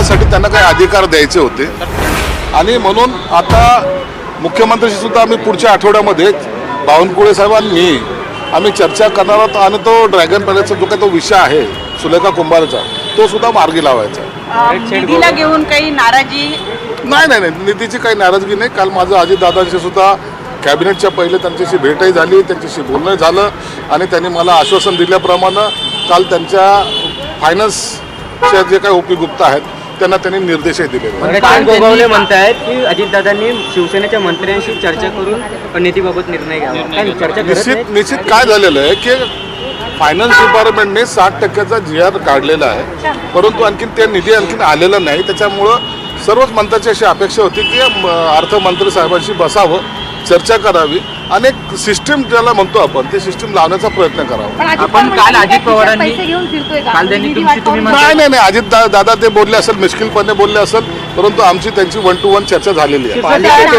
त्यासाठी त्यांना काही अधिकार द्यायचे होते आणि म्हणून आता मुख्यमंत्र्यांशी सुद्धा आम्ही पुढच्या आठवड्यामध्ये बावनकुळे साहेबांनी आम्ही चर्चा करणार आहोत आणि तो ड्रॅगन पॅलेसचा जो काही तो विषय आहे सुलेखा कुंभारचा तो सुद्धा मार्गी लावायचा. निधीला घेऊन काही नाराजी नाही, निधीची काही नाराजगी नाही. काल माझं अजितदादांशी सुद्धा कॅबिनेटच्या पहिले त्यांच्याशी भेटही झाली, त्यांच्याशी बोलणं झालं आणि त्यांनी मला आश्वासन दिल्याप्रमाणे काल त्यांच्या फायनान्सच्या जे काही ओपी गुप्ता आहेत त्यांना त्यांनी निर्देशही दिले. गोगावले म्हणतायत की अजितदादांनी शिवसेनेच्या मंत्र्यांशी चर्चा करून निधीबाबत निर्णय घ्यावा. निश्चित काय झालेलं आहे की फायनान्स डिपार्टमेंटने 60% GR काढलेला आहे, परंतु आणखीन ते निधी आणखीन आलेला नाही. त्याच्यामुळं सर्वच मंत्र्यांची अशी अपेक्षा होती की अर्थमंत्री साहेबांशी बसावं, चर्चा करावी आणि एक सिस्टीम ज्याला म्हणतो आपण ते सिस्टीम लावण्याचा प्रयत्न करावा. आपण काल अजित पवारांनी नाही अजित दादा ते बोलले असेल, मिश्किलपणे बोलले असेल, परंतु आमची त्यांची 1 to 1 चर्चा झालेली आहे.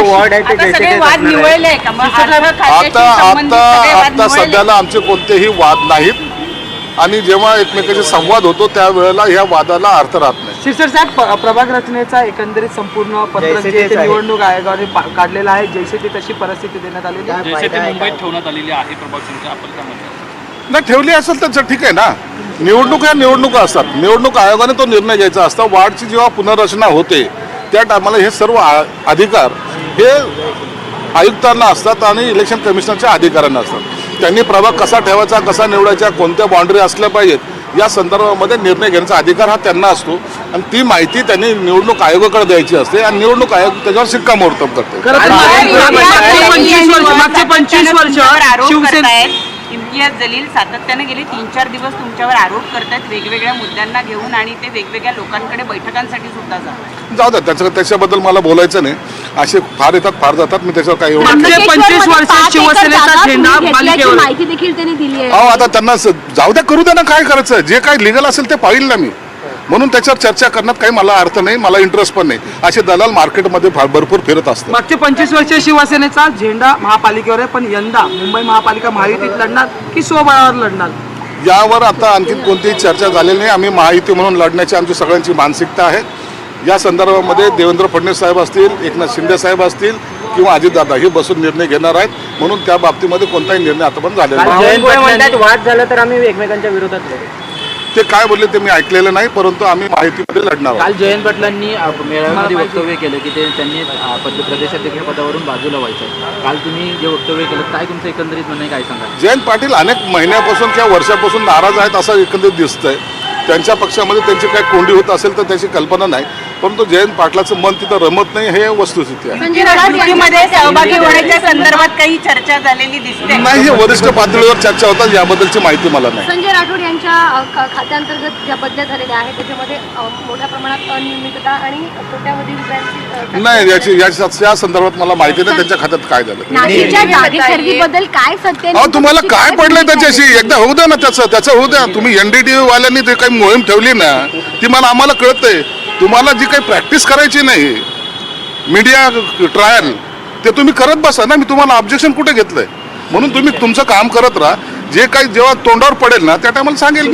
आता सध्याला आमचे कोणतेही वाद नाहीत आणि जेव्हा एकमेकांशी संवाद होतो त्यावेळेला ह्या वादाला अर्थ राहत नाही. शिरसर साहेब, प्रभाग रचनेचा एकंदरीत संपूर्ण पत्रक जे निवडणूक आयोगाने काढलेला आहे, जैसे ती तशी परिस्थिती देण्यात आलेली आहे, मुंबईत ठेवण्यात आलेली आहे प्रभाग संख्या आपण काय म्हणतो नाही ठेवली असेल तर ठीक आहे ना. निवडणूक ह्या निवडणुका असतात, निवडणूक आयोगाने तो निर्णय घ्यायचा असता. वार्डची जेव्हा पुनर्रचना होते त्या टायमाला हे सर्व अधिकार हे आयुक्तांना असतात आणि इलेक्शन कमिशनरच्या अधिकाऱ्यांना असतात. त्यांनी प्रभाग कसा ठेवायचा, कसा निवडायचा, कोणत्या बाउंड्री असल्या पाहिजेत या संदर्भामध्ये निर्णय घेण्याचा अधिकार हा त्यांना असतो आणि ती माहिती त्यांनी निवडणूक आयोगाकडे द्यायची असते आणि निवडणूक आयोग त्याच्यावर शिक्कामोर्तब करते. मागचे 25 वर्ष शिवसेना इम्तियाज जलील सातत्याने गेले 3-4 दिवस तुमच्यावर आरोप करतायत वेगवेगळ्या मुद्द्यांना घेऊन आणि ते वेगवेगळ्या लोकांकडे बैठकांसाठी सुद्धा जाऊ द्या, त्याच्याबद्दल मला बोलायचं नाही. असे फार येतात फार जातात, मी त्याच्यावर काही एवढं 25 वर्ष शिवसेनेचा झेंडा माहिती देखील त्यांनी दिली आहे. आता त्यांना जाऊ द्या, करू द्या ना, काय करायचं जे काही लिगल असेल ते पाहिल ना मी, म्हणून त्याच्यावर चर्चा करण्यात काही मला अर्थ नाही, मला इंटरेस्ट पण नाही. असे दलाल मार्केटमध्ये भरपूर फिरत असतात. मागचे 25 वर्ष शिवसेनेचा झेंडा महापालिकेवर आहे, पण यंदा मुंबई महापालिका महायुतीत लढणार की स्वबळावर लढणार यावर आता आणखी कोणतीही चर्चा झालेली नाही. आम्ही महायुती म्हणून लढण्याची आमची सगळ्यांची मानसिकता आहे. या संदर्भामध्ये देवेंद्र फडणवीस साहेब असतील, एकनाथ शिंदे साहेब असतील किंवा अजितदादा हे बसून निर्णय घेणार आहेत, म्हणून त्या बाबतीमध्ये कोणताही निर्णय आतापर्यंत झालेला नाही. वाद झाला तर आम्ही एकमेकांच्या विरोधात ते काय बोलले ते मी ऐकलेलं नाही, परंतु आम्ही माहितीमध्ये लढणार आहोत. काल जयंत पाटलांनी मेळाव्यामध्ये वक्तव्य केलं की त्यांनी प्रदेशाध्यक्ष पदावरून बाजूला व्हायचं. काल तुम्ही जे वक्तव्य केलं काय तुमचं एकंदरीत म्हणणं काय सांगा? जयंत पाटील अनेक महिन्यापासून किंवा वर्षापासून नाराज आहेत असं एकंदरीत दिसतंय. त्यांच्या पक्षामध्ये त्यांची काही कोंडी होत असेल तर त्याची कल्पना नाही, परंतु जयंत पाटलाचं मन तिथं रमत नाही हे वस्तुस्थिती आहे. निवडणुकीमध्ये सहभागी होण्याच्या संदर्भात काही चर्चा झालेली दिसते नाही, हे वरिष्ठ पातळीवर चर्चा होतात, याबद्दलची माहिती मला नाही. संजय राठोड यांच्या खात्यांतर्गत ज्या बदल्या झालेल्या आहेत त्याच्यामध्ये मोठ्या प्रमाणात अनियमितता आणि कोट्यावधी रुपयांची नाही, या संदर्भात मला माहिती नाही त्यांच्या खात्यात काय झालं. नाशिकच्या जागेखरेदीबद्दल काय सत्य अहो तुम्हाला काय पडलंय त्याच्याशी एकदा होऊ द्या ना, त्याचं होऊ द्या. तुम्ही NDTV वाल्यांनी ते काही मोहीम ठेवली ना ती आम्हाला कळतंय. तुम्हाला जी काही प्रॅक्टिस करायची नाही मीडिया ट्रायल ते तुम्ही करत बसा ना. मी तुम्हाला ऑब्जेक्शन कुठे घेतलंय? म्हणून तुम्ही तुमचं काम करत राहा. जे काही जेव्हा तोंडावर पडेल ना त्या टायमाला सांगेल मी.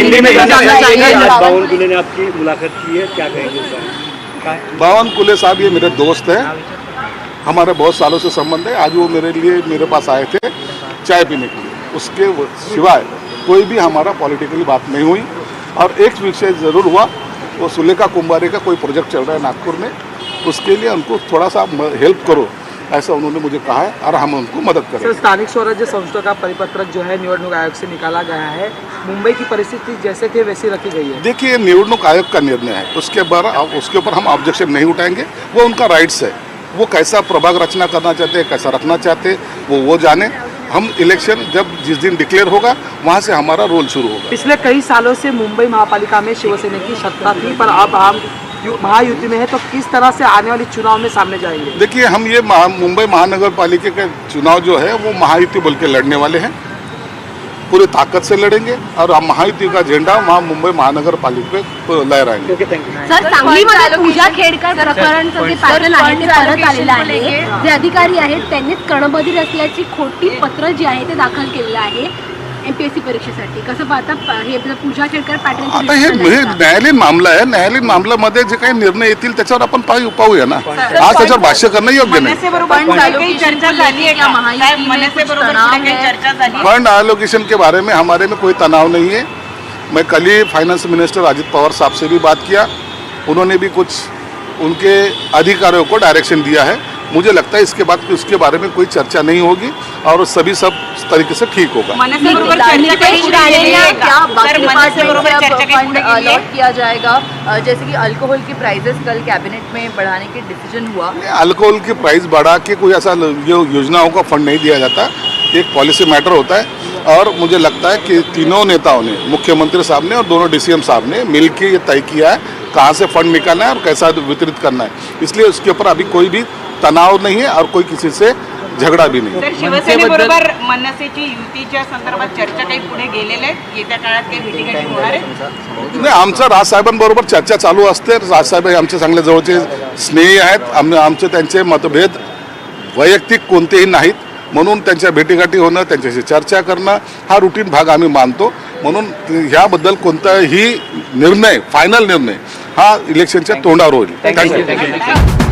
बावनकुळे साहब ये मेरे दोस्त हैं, हमारे बहुत सालों से संबंध है. आज वो मेरे पास आए थे चाय पीने के लिए. उसके सिवाय कोई भी हमारा पॉलिटिकली बात नहीं हुई. और एक विषय ज़रूर हुआ, वो सुलेखा कुंभारे का कोई प्रोजेक्ट चल रहा है नागपुर में, उसके लिए उनको थोड़ा सा हेल्प करो ऐसा उन्होंने मुझे कहा है और हम उनको मदद करें. सर, स्थानिक स्वराज्य संस्थों का परिपत्रक जो है निवडणूक आयोग से निकाला गया है, मुंबई की परिस्थिति जैसे थे वैसी रखी गई है. देखिए, निवडणूक आयोग का निर्णय है, उसके ऊपर हम ऑब्जेक्शन नहीं उठाएंगे. वो उनका राइट्स है, वो कैसा प्रभाग रचना करना चाहते हैं, कैसा रखना चाहते हैं वो जाने. हम इलेक्शन जब जिस दिन डिक्लेयर होगा वहाँ से हमारा रोल शुरू होगा. पिछले कई सालों से मुंबई महापालिका में शिवसेना की सत्ता थी, पर अब हम महायुति में है, तो किस तरह से आने वाले चुनाव में सामने जाएंगे? देखिए, हम ये मुंबई महानगर पालिका का चुनाव जो है वो महायुति बोल के लड़ने वाले हैं, पूरी ताकत से लड़ेंगे और हम महायुति का झंडा वहाँ मुंबई महानगर पालिका पे लहराएंगे. सर, सांगलीमध्ये पूजा खेडकर प्रकरणचं जे पॅटर्न आहे ते परत आलेलं आहे. जे अधिकारी आहेत त्यांनीच कणबधीर असल्याची खोटी पत्र जी आहे ते दाखल केलेलं आहे. MPSC परीक्षेसाठी कसं पाहता हे पूजा खेळकर पॅटर्न आता हे न्यायालयीन मामला आहे. न्यायालयीन मामल्यामध्ये जे काही निर्णय येतील त्याच्यावर आपण पाहूया ना. आज त्याच्यावर भाष्य करणं योग्य नाही. मनसेबरोबर पुढे काही चर्चा झाली आहे का? साहेब, मनसेबरोबर पुढे काही चर्चा झाली आहे? फंड एलोकेशन के बारे में हमारे में कोई तनाव नहीं है. मैं कल ही फाइनेंस मिनिस्टर अजित पवार साहब से भी बात किया. उन्होंने भी कुछ उनके अधिकारियों को डायरेक्शन दिया है. मुझे लगता है इसके बाद उसके बारे में कोई चर्चा नहीं होगी और सभी सब तरीके से ठीक होगा. मनसेबरोबर चर्चा काही पुढे गेलेली आहे का? सर, मनसेबरोबर चर्चा काही पुढे गेलेली आहे? किया जाएगा जैसे कि अल्कोहल की प्राइसेस कल कैबिनेट में बढ़ाने के डिसीजन हुआ. अल्कोहल की प्राइस बढ़ा के कोई ऐसा योजनाओं का फंड नहीं दिया जाता. एक पॉलिसी मैटर होता है और मुझे लगता है कि तीनों नेताओं ने, मुख्यमंत्री साहब ने और दोनों DCM साहब ने मिलकर ये तय किया है कहाँ से फंड निकालना है और कैसा वितरित करना है. इसलिए उसके ऊपर अभी कोई भी तनाव नहीं है और कोई किसी से झगड़ा भी नहीं. तर शिवसेनेबरोबर मनसेची युतीच्या संदर्भात चर्चा काही पुढे गेलेल्या आहेत? येत्या काळात काही भेटीगाठी होणार आहे? नाही, आमचं राजसाहेबांबरोबर चर्चा चालू असते. राजसाहेब हे आमचे चांगले जवळचे स्नेही आहेत. आमचे त्यांचे मतभेद वैयक्तिक कोणतेही नाहीत. म्हणून त्यांच्या भेटीगाठी होणं, त्यांच्याशी चर्चा करणं हा रुटीन भाग आम्ही मानतो. म्हणून ह्याबद्दल कोणताही निर्णय, फायनल निर्णय हा इलेक्शनच्या तोंडावर होईल. थँक्यू.